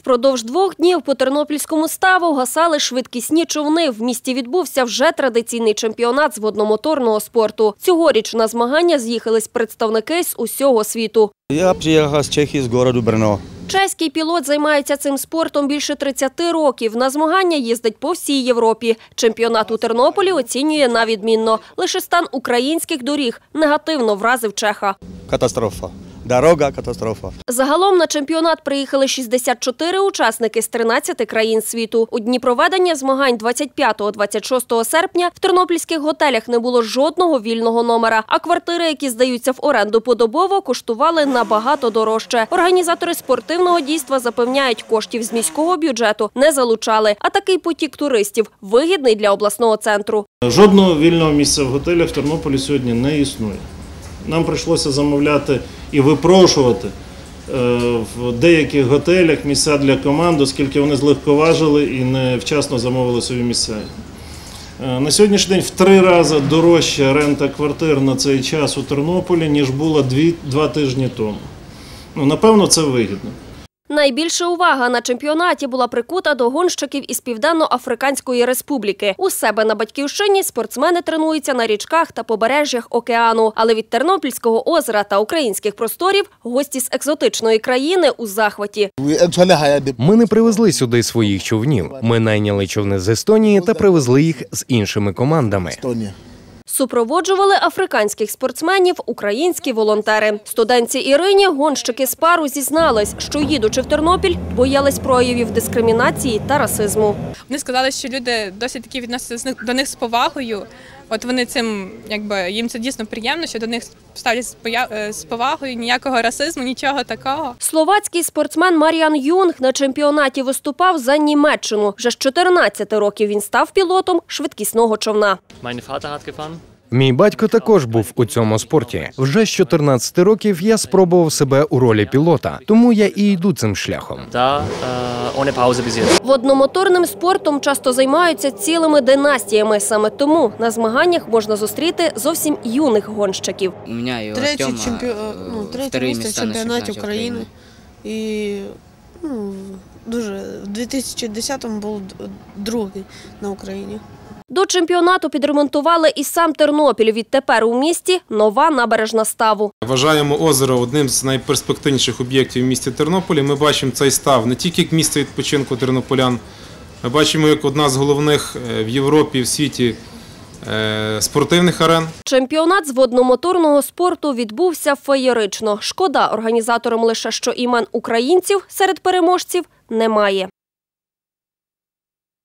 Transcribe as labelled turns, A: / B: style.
A: Впродовж 2 днів по Тернопільському ставу гасали швидкісні човни. В місті відбувся вже традиційний чемпіонат з водномоторного спорту. Цьогоріч на змагання з'їхались представники з усього світу.
B: Я приїхав з Чехії, з міста Брно.
A: Чеський пілот займається цим спортом більше 30 років. На змагання їздить по всій Європі. Чемпіонат у Тернополі оцінює на відмінно. Лише стан українських доріг негативно вразив чеха.
B: Катастрофа. Дорога – катастрофа.
A: Загалом на чемпіонат приїхали 64 учасники з 13 країн світу. У дні проведення змагань 25-26 серпня в тернопільських готелях не було жодного вільного номера, а квартири, які здаються в оренду подобово, коштували набагато дорожче. Організатори спортивного дійства запевняють, коштів з міського бюджету не залучали, а такий потік туристів вигідний для обласного центру.
C: Жодного вільного місця в готелях в Тернополі сьогодні не існує. Нам прийшлося замовляти і випрошувати в деяких готелях місця для команд, оскільки вони злегковажили і невчасно замовили свої місця. На сьогоднішній день в 3 рази дорожча рента квартир на цей час у Тернополі, ніж була 2 тижні тому. Напевно, це вигідно.
A: Найбільша увага на чемпіонаті була прикута до гонщиків із Південно-Африканської Республіки. У себе на батьківщині спортсмени тренуються на річках та побережжях океану. Але від Тернопільського озера та українських просторів гості з екзотичної країни у захваті.
D: Ми не привезли сюди своїх човнів. Ми найняли човни з Естонії та привезли їх з іншими командами.
A: Супроводжували африканських спортсменів українські волонтери. Студентці Ірині гонщики з пару зізнались, що їдучи в Тернопіль, боялись проявів дискримінації та расизму.
E: Вони сказали, що люди досить таки відносяться до них з повагою. От вони цим, їм це дійсно приємно, що до них ставлять з повагою, ніякого расизму, нічого такого.
A: Словацький спортсмен Мар'ян Юнг на чемпіонаті виступав за Німеччину. Вже з 14 років він став пілотом швидкісного човна.
D: Мій батько також був у цьому спорті. Вже з 14 років я спробував себе у ролі пілота, тому я і йду цим шляхом.
A: Водномоторним спортом часто займаються цілими династіями. Саме тому на змаганнях можна зустріти зовсім юних гонщиків.
F: Третє місце в чемпіонаті України. І в 2010-му був другий на Україні.
A: До чемпіонату підремонтували і сам Тернопіль. Відтепер у місті нова набережна ставу.
G: Вважаємо озеро одним з найперспективніших об'єктів в місті Тернополі. Ми бачимо цей став не тільки як місце відпочинку тернополян, ми бачимо як одна з головних в Європі і в світі спортивних арен.
A: Чемпіонат з водномоторного спорту відбувся феєрично. Шкода, організаторам лише, що імен українців серед переможців немає.